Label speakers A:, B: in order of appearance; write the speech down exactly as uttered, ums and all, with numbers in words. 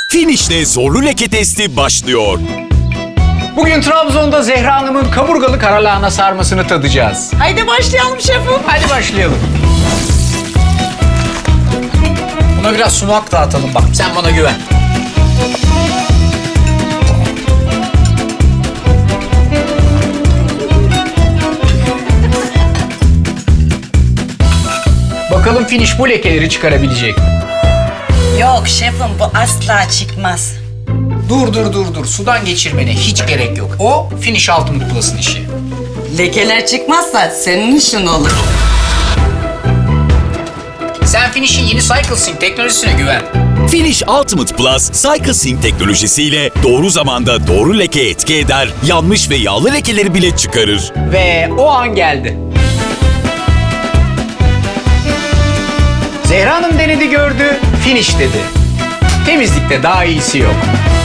A: Finish'te zorlu leke testi başlıyor.
B: Bugün Trabzon'da Zehra Hanım'ın kaburgalı karalahana sarmasını tadacağız.
C: Haydi başlayalım şefim.
B: Hadi başlayalım. Buna biraz sumak dağıtalım bak. Sen bana güven. Bakalım Finish bu lekeleri çıkarabilecek mi?
C: Yok şefim, bu asla çıkmaz.
B: Dur dur dur dur. Sudan geçirmene hiç gerek yok. O Finish Ultimate Plus'ın işi.
C: Lekeler çıkmazsa senin işin olur.
B: Sen Finish'in yeni CycleSync teknolojisine güven.
A: Finish Ultimate Plus, CycleSync teknolojisiyle doğru zamanda doğru leke etki eder, yanmış ve yağlı lekeleri bile çıkarır.
B: Ve o an geldi. Zehra Hanım denedi gördü, Finish dedi. Temizlikte daha iyisi yok.